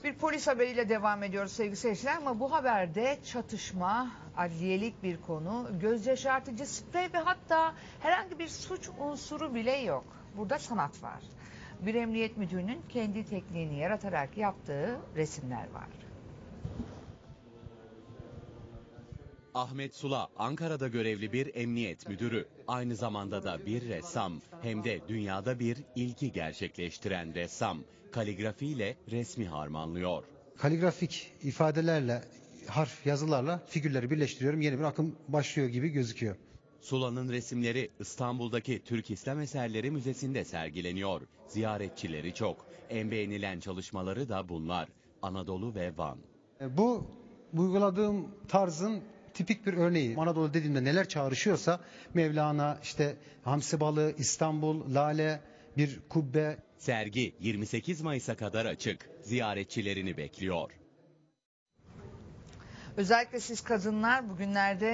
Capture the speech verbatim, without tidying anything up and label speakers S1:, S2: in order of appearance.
S1: Bir polis haberiyle devam ediyoruz sevgili seyirciler ama bu haberde çatışma, adliyelik bir konu, göz yaşartıcı sprey ve hatta herhangi bir suç unsuru bile yok. Burada sanat var. Bir emniyet müdürünün kendi tekniğini yaratarak yaptığı resimler var.
S2: Ahmet Sula, Ankara'da görevli bir emniyet müdürü. Aynı zamanda da bir ressam, hem de dünyada bir ilki gerçekleştiren ressam. Kaligrafiyle resmi harmanlıyor.
S3: Kaligrafik ifadelerle, harf, yazılarla figürleri birleştiriyorum. Yeni bir akım başlıyor gibi gözüküyor.
S2: Sula'nın resimleri İstanbul'daki Türk İslam Eserleri Müzesi'nde sergileniyor. Ziyaretçileri çok. En beğenilen çalışmaları da bunlar. Anadolu ve Van.
S3: Bu uyguladığım tarzın tipik bir örneği. Anadolu dediğimde neler çağrışıyorsa Mevlana, işte hamsi balığı, İstanbul, lale, bir kubbe.
S2: Sergi yirmi sekiz Mayıs'a kadar açık. Ziyaretçilerini bekliyor.
S1: Özellikle siz kadınlar bugünlerde